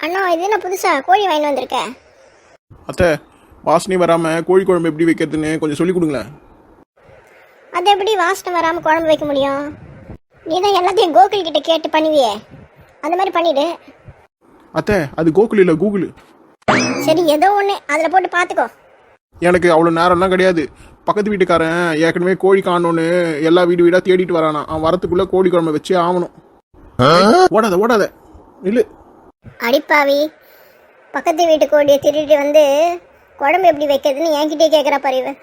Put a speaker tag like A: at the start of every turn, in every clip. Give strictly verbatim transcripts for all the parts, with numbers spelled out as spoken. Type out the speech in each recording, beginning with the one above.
A: அண்ணா இது என்ன புதுசா கோழி வாங்கி வந்திருக்கேன்.
B: அத்தை, வாசனை வராமல் கோழி குழம்பு எப்படி வைக்கிறதுன்னு கொஞ்சம் சொல்லி கொடுங்களேன்.
A: அது எப்படி வாசனை வராமல் குழம்பு வைக்க முடியும்? நீ தான் எல்லாத்தையும் கோகுல் கிட்ட கேட்டு பண்ணுவியே, அந்த மாதிரி பண்ணிடு.
B: அத்தை, அது கோகுல் இல்லை, கூகுள்.
A: சரி, ஏதோ ஒன்று அதில் போட்டு பார்த்துக்கோ.
B: எனக்கு அவ்வளோ நேரம்லாம் கிடையாது. பக்கத்து வீட்டுக்காரன் ஏற்கனவே கோழி காணோன்னு எல்லா வீடு வீடாக தேடிட்டு வரானா. அவன் வரத்துக்குள்ளே கோழி குழம்பு வச்சே ஆகணும். ஓடாத ஓடாத இல்லை.
A: அடிப்பாவி, பக்கத்து வீட்டு கோழியை திருட்டு வந்து குழம்பு எப்படி வைக்கிறதுன்னு என்கிட்டே கேட்குற பறிவு.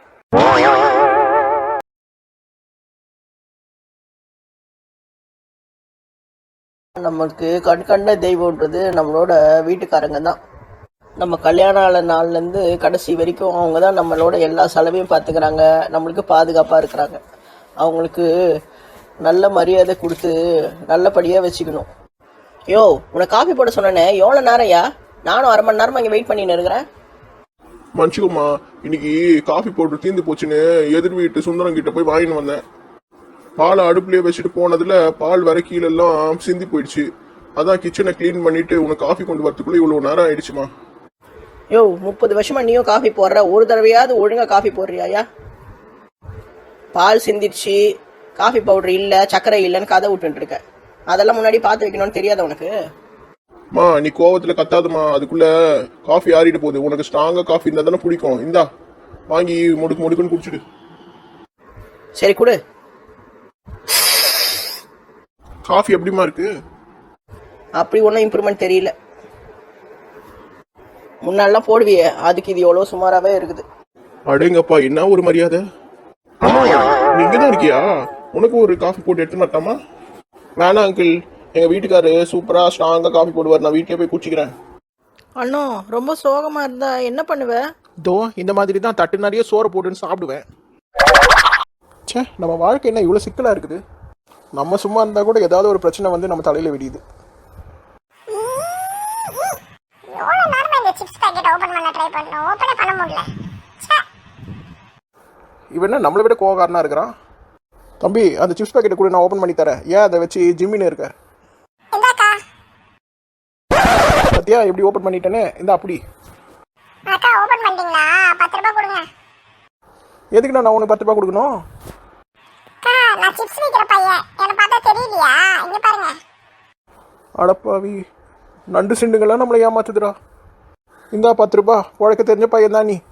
C: நமக்கு கண் கண்ட தெய்வம்ன்றது நம்மளோட வீட்டுக்காரங்க தான். நம்ம கல்யாண ஆன நாள்லேருந்து கடைசி வரைக்கும் அவங்க தான் நம்மளோட எல்லா செலவையும் பார்த்துக்கிறாங்க, நம்மளுக்கு பாதுகாப்பாக இருக்கிறாங்க. அவங்களுக்கு நல்ல மரியாதை கொடுத்து நல்லபடியாக வச்சுக்கணும். யோ, உனக்கு காஃபி போட சொன்னேனே, எவ்வளோ நேரம்யா? நானும் அரை மணி நேரமாக இங்கே வெயிட் பண்ணின்னு இருக்கிறேன்.
B: மன்னிச்சுக்கோமா, இன்னைக்கு காஃபி போட்டு தீர்ந்து போச்சுன்னு எதிர் வீட்டு சுந்தரம் கிட்ட போய் வாங்கின்னு வந்தேன். பாலை அடுப்புலேயே வச்சுட்டு போனதுல பால் வர கீழெல்லாம் சிந்தி போயிடுச்சு. அதான் கிச்சனை கிளீன் பண்ணிட்டு உனக்கு காஃபி கொண்டு வரதுக்குள்ள இவ்வளோ நேரம் ஆயிடுச்சுமா.
C: யோ, முப்பது வருஷமா நீயும் காஃபி போடுற, ஒரு தடவையாவது ஒழுங்கா காஃபி போடுறியாயா? பால் சிந்திடுச்சு, காஃபி பவுடர் இல்லை, சர்க்கரை இல்லைன்னு கதை விட்டுட்டு இருக்க. அதெல்லாம் முன்னாடி பார்த்து வைக்கணும்னு தெரியாத உனக்கு?
B: மா, நீ கோவத்துல கத்தாதுமா, அதுக்குள்ள காஃபி ஆறிட்டு போகுது. உனக்கு ஸ்ட்ராங்கா காஃபி இருந்தா தானே பிடிக்கும். இந்தா வாங்கி முடுக்கு முடுக்குன்னு குடிச்சிடு.
C: சரி கொடு.
B: காஃபி எப்படிமா இருக்கு?
C: அப்படி ஒன்றும் இம்ப்ரூவ்மெண்ட் தெரியல. முன்னாலாம் போடுவியே, அதுக்கு இது எவ்வளோ சுமாராகவே இருக்குது.
B: அடேங்கப்பா, என்ன ஒரு மரியாதை. நீ இங்கதான் இருக்கியா? உனக்கு ஒரு காஃபி போட்டு எடுத்து மாட்டாமா? வேணாம் அங்கிள், எங்க வீட்டுக்காரு சூப்பரா ஸ்ட்ராங்கா காஃபி போடுவார். நான் வீட்டிலே போய் குடிச்சிக்கிறேன்.
C: அண்ணா, ரொம்ப சோகமா இருந்தா என்ன பண்ணுவேன்?
B: தோ இந்த மாதிரி தான் தட்டு நிறைய சோறை போட்டுன்னு சாப்பிடுவேன். சே, நம்ம வாழ்க்கை என்ன இவ்வளோ சிக்கலா இருக்குது. நம்ம சும்மா இருந்தா கூட ஏதாவது ஒரு பிரச்சனை வந்து நம்ம தலையில விடியுது. இவன் என்ன நம்மளை விட கோவக்காரனா இருக்கிறான். தம்பி, அந்த சிப்ஸ் பேக்கெட்டை கூட நான் ஓபன் பண்ணி தரேன். ஏன் அதை வச்சு ஜிம்மின்னு இருக்க? பத்தியா எப்படி ஓபன் பண்ணிட்டேனே? இந்த அப்படி எதுக்கு நான் உனக்கு பத்து ரூபாய் கொடுக்கணும்? அடப்பாவி, நண்டு சிண்டுங்களாம் நம்மளை ஏமாத்துதுடா. இந்தா பத்து ரூபாய். உழைக்க தெரிஞ்ச பையன் தான் நீ.